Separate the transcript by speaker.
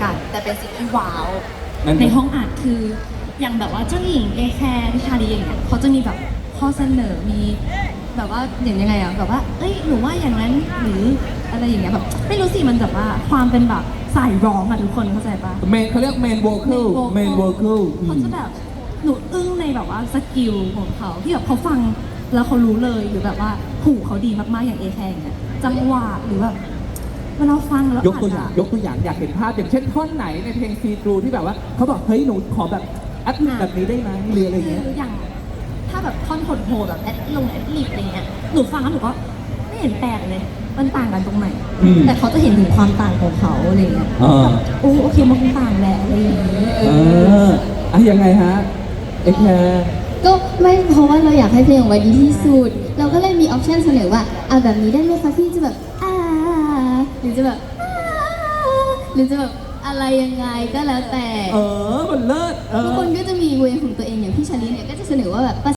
Speaker 1: กัน แต่เป็นสิ่งที่ว้าว
Speaker 2: ในห้องอัดคืออย่างแบบว่าเจ้าหญิงเอแคร์ที่ชาลีอย่างเงี้ยเขาจะมีแบบข้อเสนอมีแบบว่าอย่างยังไงอะแบบว่าเอ้ยหนูว่าอย่างนั้นหรืออะไรอย่างเงี้ยแบบไม่รู้สิมันแบบว่าความเป็นแบบสายร้องอะทุกคนเข้าใจปะ
Speaker 3: เมนเขาเรียกเมนโวคอลเมนโวคอล
Speaker 2: เขาจะแบบหนูอึ้งในแบบว่าสกิลของเขาที่แบบเขาฟังแล้วเขารู้เลยหรือแบบว่าหูเขาดีมากๆอย่างเอแคร์อย่างเงี้ยจังหวะหรือแบบเวลาฟังแล้ว
Speaker 3: ยกตัวอย่างอยากเห็นภาพอย่างเช่นท่อนไหนในเพลงซีทรูที่แบบว่าเขาบอกเฮ้ยหนูขอแบบอัดแบบนี้ได้ไหมหรืออะไรเงี้ย
Speaker 2: คืออย่างถ้าแบบท่อนโหดๆแบบแอดลิปอะไรเงี้ยหนูฟังแล้วหนูก็ไม่เห็นแปลกเลยมันต่างกันตรงไหน
Speaker 3: อืม
Speaker 2: แต่เขาจะเห็นถึงความต่างของเขาอะไรเงี้ย
Speaker 3: อ่า
Speaker 2: โอ้โอเคมันคงต่างแหละอะไรอย่างเงี้ย
Speaker 3: ยังไงฮะเอแคร์
Speaker 1: ก็ไม่เพราะว่าเราอยากให้เพลงออกมาดีที่สุด เราก็เลยมีออปชันเสนอว่าเอาแบบนี้ได้ไหมคะพี่จะแบบหรือจะแบบหรือจะแบบอะไรยังไงก็แล้วแต่
Speaker 3: มันเลิศ
Speaker 1: ทุกคนก็จะมีเวของตัวเองอย่างพี่ชาลีเนี่ยก็จะเสนอว่าแบบ